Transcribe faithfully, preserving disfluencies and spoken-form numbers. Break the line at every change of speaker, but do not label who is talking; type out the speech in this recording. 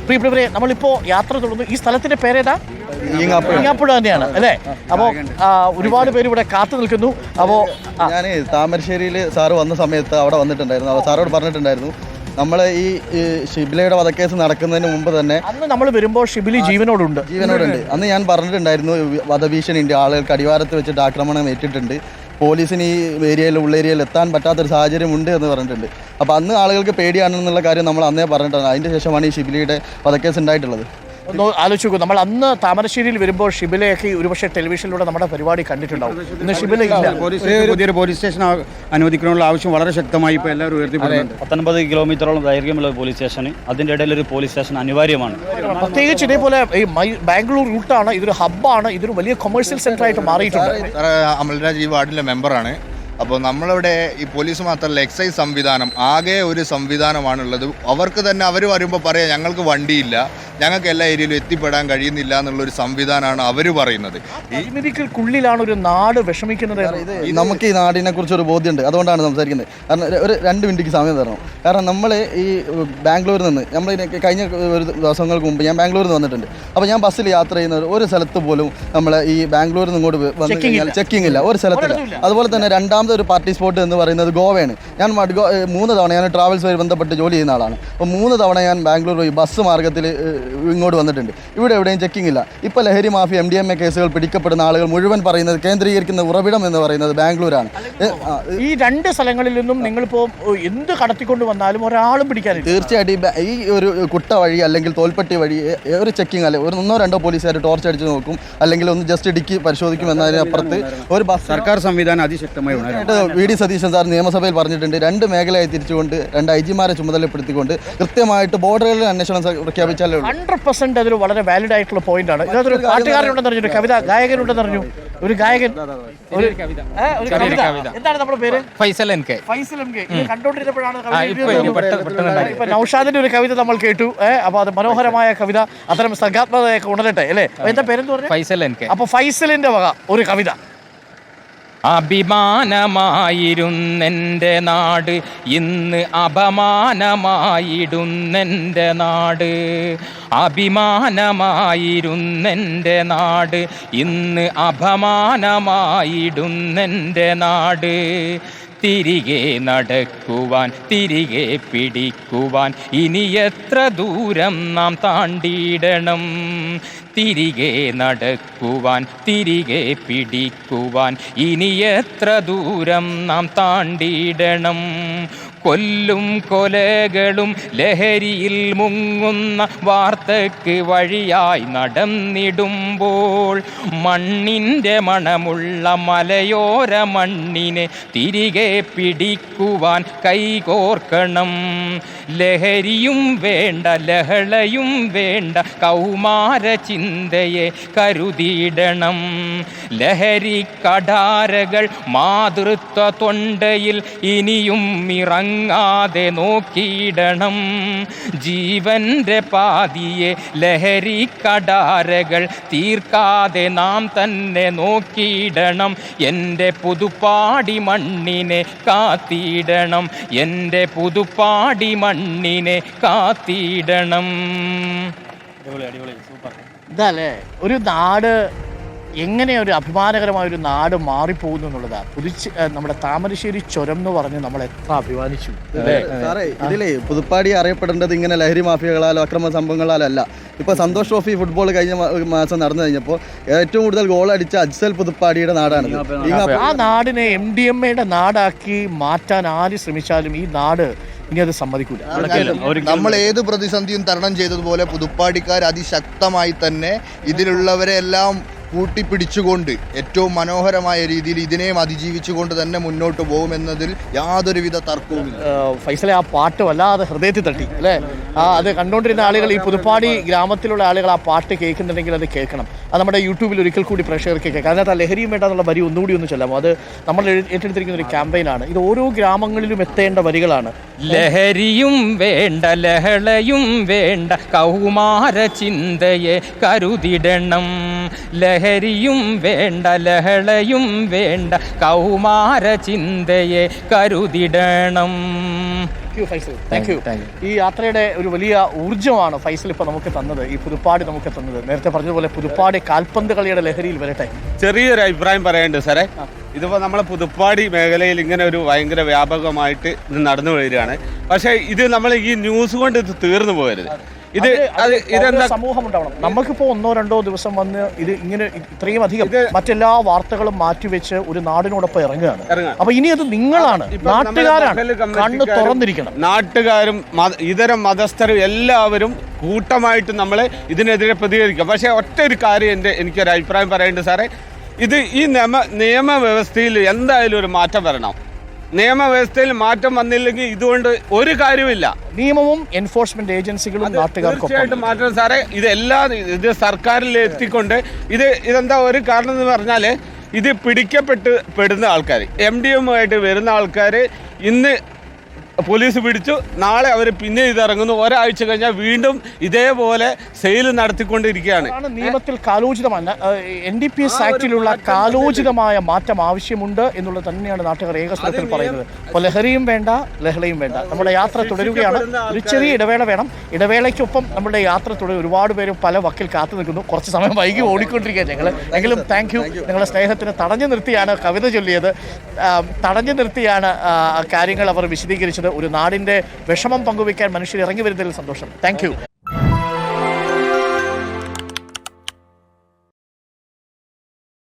പ്രിയപ്പെട്ടവരെ, നമ്മളിപ്പോൾ യാത്ര തുടർന്നു. ഈ സ്ഥലത്തിന്റെ പേരേതാ? ഈങ്ങാപ്പുഴ തന്നെയാണ് അല്ലേ? അപ്പോൾ ഒരുപാട് പേര് ഇവിടെ കാത്തു നിൽക്കുന്നു. അപ്പോൾ
ഞാൻ താമരശ്ശേരിയിൽ സാറ് വന്ന സമയത്ത് അവിടെ വന്നിട്ടുണ്ടായിരുന്നു. അപ്പോൾ സാറോട് പറഞ്ഞിട്ടുണ്ടായിരുന്നു നമ്മൾ ഈ ഷിബിലയുടെ വധക്കേസ് നടക്കുന്നതിന് മുമ്പ് തന്നെ
അന്ന് നമ്മൾ വരുമ്പോൾ ഷിബിലി ജീവനോടുണ്ട്
ജീവനോടുണ്ട് അന്ന് ഞാൻ പറഞ്ഞിട്ടുണ്ടായിരുന്നു വധഭീഷണിയുണ്ട്, ആളുകൾക്ക് അടിവാരത്ത് വെച്ചിട്ട് ആക്രമണം ഏറ്റിട്ടുണ്ട്, പോലീസിന് ഈ ഏരിയയിൽ ഉള്ളേരിയയിൽ എത്താൻ പറ്റാത്തൊരു സാഹചര്യം ഉണ്ട് എന്ന് പറഞ്ഞിട്ടുണ്ട്. അപ്പോൾ അന്ന് ആളുകൾക്ക് പേടിയാണെന്നുള്ള കാര്യം നമ്മൾ അന്നേ പറഞ്ഞിട്ടുണ്ട്. അതിൻ്റെ ശേഷമാണ് ഈ ഷിബിലിയുടെ വധക്കേസ് ഉണ്ടായിട്ടുള്ളത്.
ഒന്ന് ആലോചിക്കൂ, നമ്മൾ അന്ന് താമരശ്ശേരിയിൽ വരുമ്പോൾ ഷിബിലയൊക്കെ ഒരുപക്ഷെ ടെലിവിഷനിലൂടെ നമ്മുടെ പരിപാടി കണ്ടിട്ടുണ്ടാവും. ഇന്ന് ഷിബില ഇല്ല.
പുതിയൊരു പോലീസ് സ്റ്റേഷൻ അനുവദിക്കണമെന്നുള്ള ആവശ്യം വളരെ ശക്തമായി ഇപ്പോൾ എല്ലാവരും ഉയർത്തിപ്പെടുന്നുണ്ട്.
പത്തൊൻപത് കിലോമീറ്ററോളം ദൈർഘ്യമുള്ള പോലീസ് സ്റ്റേഷൻ, അതിൻ്റെ ഇടയിൽ ഒരു പോലീസ് സ്റ്റേഷൻ അനിവാര്യമാണ്.
പ്രത്യേകിച്ച് ഇതേപോലെ ഈ ബാംഗ്ലൂർ റൂട്ടാണ്, ഇതൊരു ഹബ്ബാണ്, ഇതൊരു വലിയ കൊമേഴ്സ്യൽ സെന്റർ ആയിട്ട് മാറിയിട്ടുണ്ട്.
അമൽരാജ് ഈ വാർഡിലെ മെമ്പറാണ്. അപ്പോൾ നമ്മളിവിടെ ഈ പോലീസ് മാത്രമല്ല എക്സൈസ് സംവിധാനം ആകെ ഒരു സംവിധാനമാണുള്ളത്. അവർക്ക് തന്നെ അവർ വരുമ്പോൾ പറയാം ഞങ്ങൾക്ക് വണ്ടിയില്ല, ഞങ്ങൾക്ക് എല്ലാ ഏരിയയിലും എത്തിപ്പെടാൻ കഴിയുന്നില്ല എന്നുള്ളൊരു സംവിധാനമാണ് അവർ പറയുന്നത്.
പരിമിതിക്കുള്ളിലാണ് ഒരു നാട് വിഷമിക്കുന്നത്.
നമുക്ക് ഈ നാടിനെ കുറിച്ച് ഒരു ബോധ്യമുണ്ട്, അതുകൊണ്ടാണ് സംസാരിക്കുന്നത്. കാരണം ഒരു രണ്ട് മിനിറ്റ് സമയം തരണം. കാരണം നമ്മൾ ഈ ബാംഗ്ലൂരിൽ നിന്ന് നമ്മൾ കഴിഞ്ഞ ഒരു ദിവസങ്ങൾക്ക് മുമ്പ് ഞാൻ ബാംഗ്ലൂരിൽ നിന്ന് വന്നിട്ടുണ്ട്. അപ്പോൾ ഞാൻ ബസ്സിൽ യാത്ര ചെയ്യുന്ന ഒരു സ്ഥലത്ത് പോലും നമ്മൾ ഈ ബാംഗ്ലൂരിൽ നിന്ന് ഇങ്ങോട്ട് വന്ന് കഴിഞ്ഞാൽ ചെക്കിംഗ് ഇല്ല, ഒരു സ്ഥലത്തില്ല. അതുപോലെ തന്നെ രണ്ടാമത്തെ ഒരു പാർട്ടി സ്പോട്ട് എന്ന് പറയുന്നത് ഗോവയാണ്. ഞാൻ മൂന്ന് തവണ ഞാൻ ട്രാവൽസുമായി ബന്ധപ്പെട്ട് ജോലി ചെയ്യുന്ന ആളാണ്. അപ്പോൾ മൂന്ന് തവണ ഞാൻ ബാംഗ്ലൂർ പോയി ബസ് മാർഗ്ഗത്തിൽ ഇങ്ങോട്ട് വന്നിട്ടുണ്ട്. ഇവിടെ എവിടെയും ചെക്കിംഗ് ഇല്ല. ഇപ്പോൾ ലഹരി mafia M D M A കേസുകൾ പിടിക്കപ്പെടുന്ന ആളുകൾ മുഴുവൻ പറയുന്നത് കേന്ദ്രീകരിക്കുന്ന ഉറവിടം എന്ന് പറയുന്നത് ബാംഗ്ലൂരാണ്.
ഈ രണ്ട് സ്ഥലങ്ങളിൽ നിന്നും നിങ്ങളിപ്പോൾ എന്ത് കടത്തിക്കൊണ്ട് വന്നാലും ഒരാളും പിടിക്കാനില്ല.
തീർച്ചയായിട്ടും ഈ ഒരു കുട്ട വഴി അല്ലെങ്കിൽ തോൽപ്പെട്ടി വഴി ഒരു ചെക്കിംഗ് അല്ലെ ഒരു ഒന്നോ രണ്ടോ പോലീസുകാർ ടോർച്ച് അടിച്ച് നോക്കും, അല്ലെങ്കിൽ ഒന്ന് ജസ്റ്റ് ഇടുക്കി പരിശോധിക്കും എന്നതിനപ്പുറത്ത് ഒരു ബസ്
സർക്കാർ സംവിധാനം അതിശക്തമായി
വി ഡി സതീശൻ സാർ നിയമസഭയിൽ പറഞ്ഞിട്ടുണ്ട്. രണ്ട് മേഖലയായി തിരിച്ചുകൊണ്ട് രണ്ട് ഐ ജിമാരെ ചുമതലപ്പെടുത്തിക്കൊണ്ട് കൃത്യമായിട്ട് ബോർഡറുകളിൽ അന്വേഷണം പ്രഖ്യാപിച്ചാലേ
ഹൺഡ്രഡ് പെർസെന്റ് അതൊരു വളരെ വാലിഡ് ആയിട്ടുള്ള പോയിന്റ് ആണ്. ഇതിനകത്തൊരു പാട്ടുകാരനുണ്ടെന്ന് പറഞ്ഞു, കവിത ഗായകനുണ്ടെന്ന് പറഞ്ഞു, ഒരു ഗായകൻ, ഒരു കവിത. എന്താണ് നമ്മുടെ പേര്?
Faisal N K.
Faisal N K. ഇത് കണ്ടോണ്ടിരുന്നപ്പോഴാണ് ഇപ്പൊ നൗഷാദിന്റെ ഒരു കവിത നമ്മൾ കേട്ടു. അപ്പൊ അത് മനോഹരമായ കവിത, അത്തരം സർഗാത്മകതയൊക്കെ ഉണരട്ടെ അല്ലേ? എന്താ പേരെന്ന് പറഞ്ഞു?
Faisal N K.
അപ്പൊ ഫൈസലിന്റെ വക ഒരു കവിത.
അഭിമാനമായിരുന്നെൻ്റെ നാട് ഇന്ന് അപമാനമായിടുന്നെൻ്റെ നാട്. അഭിമാനമായിരുന്നെൻ്റെ നാട് ഇന്ന് അപമാനമായിടുന്നെൻ്റെ നാട്. തിരികെ നടക്കുവാൻ തിരികെ പിടിക്കുവാൻ ഇനി എത്ര ദൂരം നാം താണ്ടിയിടണം. തിരികെ നടക്കുവാൻ തിരികെ പിടിക്കുവാൻ ഇനി എത്ര ദൂരം നാം താണ്ടിയിടണം. കൊല്ലും കൊലകളും ലഹരിയിൽ മുങ്ങുന്ന വാർത്തക്ക് വഴിയായി നടന്നിടുമ്പോൾ മണ്ണിൻ്റെ മണമുള്ള മലയോര മണ്ണിനെ തിരികെ പിടിക്കുവാൻ കൈകോർക്കണം. ലഹരിയും വേണ്ട ലഹളയും വേണ്ട കൗമാര ചിന്തയെ കരുതിയിടണം. ലഹരി കടാരകൾ മാതൃത്വ തൊണ്ടയിൽ ഇനിയും ഇറങ്ങാതെ നോക്കിയിടണം. ജീവന്റെ പാതിയെ ലഹരി കടാരകൾ തീർക്കാതെ നാം തന്നെ നോക്കിയിടണം. എൻ്റെ പുതുപ്പാടി മണ്ണിനെ കാത്തിടണം. എൻ്റെ പുതുപ്പാടി മണ്ണിനെ കാത്തിടണം.
ഇതല്ലേ ഒരു നാട്, എങ്ങനെ ഒരു അഭിമാനകരമായ ഒരു നാട് മാറിപ്പോകുന്നു എന്നുള്ളതാണ്. പുതുച്ച് നമ്മുടെ താമരശ്ശേരി ചുരം എന്ന് പറഞ്ഞ് നമ്മൾ എത്ര അഭിമാനിച്ചു.
സാറേ, ഇതിലേ പുതുപ്പാടി അറിയപ്പെടേണ്ടത് ഇങ്ങനെ ലഹരി മാഫിയകളാലോ അക്രമ സംഭവങ്ങളാലോ അല്ല. ഇപ്പോൾ സന്തോഷ് ട്രോഫി ഫുട്ബോൾ കഴിഞ്ഞ മാസം നടന്നു കഴിഞ്ഞപ്പോൾ ഏറ്റവും കൂടുതൽ ഗോൾ അടിച്ച അജ്സൽ പുതുപ്പാടിയുടെ നാടാണ്.
ആ നാടിനെ എം ഡി എം എയുടെ നാടാക്കി മാറ്റാൻ ആര് ശ്രമിച്ചാലും ഈ നാട് ഇനി അത് സമ്മതിക്കൂല.
നമ്മൾ ഏത് പ്രതിസന്ധിയും തരണം ചെയ്തതുപോലെ പുതുപ്പാടിക്കാർ അതിശക്തമായി തന്നെ ഇതിലുള്ളവരെ എല്ലാം കൂട്ടിപ്പിടിച്ചുകൊണ്ട് ഏറ്റവും മനോഹരമായ രീതിയിൽ ഇതിനെയും അതിജീവിച്ചുകൊണ്ട് തന്നെ മുന്നോട്ട് പോകുമെന്നതിൽ യാതൊരുവിധ തർക്കവുമില്ല.
ഫൈസലെ, ആ പാട്ട് വല്ലാതെ ഹൃദയത്തിൽ തട്ടി അല്ലേ? ആ അത് കണ്ടുകൊണ്ടിരുന്ന ആളുകൾ, ഈ പുതുപ്പാടി ഗ്രാമത്തിലുള്ള ആളുകൾ ആ പാട്ട് കേൾക്കുന്നുണ്ടെങ്കിൽ അത് കേൾക്കണം. അത് നമ്മുടെ യൂട്യൂബിൽ ഒരിക്കൽ കൂടി പ്രേക്ഷകർക്ക് കേൾക്കാം. അതിനകത്ത് ആ ലഹരിയും വേണ്ടെന്നുള്ള വരി ഒന്നുകൂടി ഒന്ന് ചെല്ലാമോ? അത് നമ്മൾ ഏറ്റെടുത്തിരിക്കുന്ന ഒരു ക്യാമ്പയിനാണ്. ഇത് ഓരോ ഗ്രാമങ്ങളിലും എത്തേണ്ട വരികളാണ്.
ലഹരിയും വേണ്ട ലഹളയും വേണ്ട കൗമാര ചിന്തയെ കരുതിടണം. ലഹരിയും വേണ്ട ലഹളയും വേണ്ട കൗമാര ചിന്തയെ കരുതിടണം.
You Faisal, thank you. ഈ യാത്രയുടെ ഒരു വലിയ ഊർജ്ജമാണ് ഫൈസൽ ഇപ്പോൾ നമുക്ക് തന്നത്, ഈ പുതുപ്പാടി നമുക്ക് തന്നത്. നേരത്തെ പറഞ്ഞതുപോലെ പുതുപ്പാടി കാൽപന്ത് കളിയുടെ ലഹരിയിൽ വരട്ടെ.
ചെറിയൊരു അഭിപ്രായം പറയാനുണ്ട് സാറേ. ഇതിപ്പോൾ നമ്മളെ പുതുപ്പാടി മേഖലയിൽ ഇങ്ങനെ ഒരു ഭയങ്കര വ്യാപകമായിട്ട് ഇത് നടന്നു വരികയാണ്. പക്ഷേ ഇത് നമ്മൾ ഈ ന്യൂസ് കൊണ്ട് ഇത് തീർന്നു പോകരുത്. ഇത് അത് ഇതെന്താ
സമൂഹം ഉണ്ടാവണം. നമുക്കിപ്പോ ഒന്നോ രണ്ടോ ദിവസം വന്ന് ഇത് ഇങ്ങനെ ഇത്രയും അധികം മറ്റെല്ലാ വാർത്തകളും മാറ്റിവെച്ച് ഒരു നാടിനോടൊപ്പം ഇറങ്ങുകയാണ്. അപ്പൊ ഇനി അത് നിങ്ങളാണ്, നാട്ടുകാരാണ് കണ്ണ് തുറന്നിരിക്കണം.
നാട്ടുകാരും ഇതര മതസ്ഥരും എല്ലാവരും കൂട്ടമായിട്ട് നമ്മളെ ഇതിനെതിരെ പ്രതികരിക്കുക. പക്ഷേ ഒറ്റ ഒരു കാര്യം എൻ്റെ എനിക്കൊരു അഭിപ്രായം പറയേണ്ടത് സാറേ, ഇത് ഈ നിയമ നിയമവ്യവസ്ഥയിൽ എന്തായാലും ഒരു മാറ്റം വരണം. നിയമവ്യവസ്ഥയിൽ മാറ്റം വന്നില്ലെങ്കിൽ ഇതുകൊണ്ട് ഒരു കാര്യമില്ല.
നിയമവും എൻഫോഴ്സ്മെന്റ് ഏജൻസികളും നാട്ടുകാർക്കും
തീർച്ചയായിട്ടും മാറ്റം സാറേ. ഇത് എല്ലാ ഇത് സർക്കാരിൽ എത്തിക്കൊണ്ട് ഇത് ഇതെന്താ ഒരു കാരണം എന്ന് പറഞ്ഞാൽ, ഇത് പിടിക്കപ്പെട്ട് പെടുന്ന ആൾക്കാർ, എം ഡി എമ്മുമായിട്ട് വരുന്ന ആൾക്കാർ ഇന്ന് പോലീസ് പിടിച്ചു, നാളെ അവർ പിന്നെ ഇതിറങ്ങുന്നു, ഒരാഴ്ച കഴിഞ്ഞാൽ വീണ്ടും ഇതേപോലെ സെയിൽ നടത്തിക്കൊണ്ടിരിക്കുകയാണ്.
നിയമത്തിൽ കാലോചിതമായ എൻ ഡി പി എസ് ആക്ടിലുള്ള കാലോചിതമായ മാറ്റം ആവശ്യമുണ്ട് എന്നുള്ളത് തന്നെയാണ് നാട്ടുകാർ ഏകസ്വരത്തിൽ പറയുന്നത്. അപ്പോൾ ലഹരിയും വേണ്ട, ലഹളയും വേണ്ട. നമ്മുടെ യാത്ര തുടരുകയാണ്. ഒരു ചെറിയ ഇടവേള വേണം. ഇടവേളയ്ക്കൊപ്പം നമ്മുടെ യാത്ര തുടരും. ഒരുപാട് പേര് പല വക്കിൽ കാത്തു നിൽക്കുന്നു. കുറച്ച് സമയം വൈകി ഓടിക്കൊണ്ടിരിക്കുകയാണ് ഞങ്ങൾ. എങ്കിലും താങ്ക് യു. നിങ്ങളുടെ സ്നേഹത്തിന് തടഞ്ഞു നിർത്തിയാണ് കവിത ചൊല്ലിയത്, തടഞ്ഞു നിർത്തിയാണ് കാര്യങ്ങൾ അവർ വിശദീകരിച്ചത്. ഒരു നാടിൻ്റെ വിഷമം പങ്കുവയ്ക്കാൻ മനുഷ്യർ ഇറങ്ങി വരുന്നതിൽ സന്തോഷം. Thank U.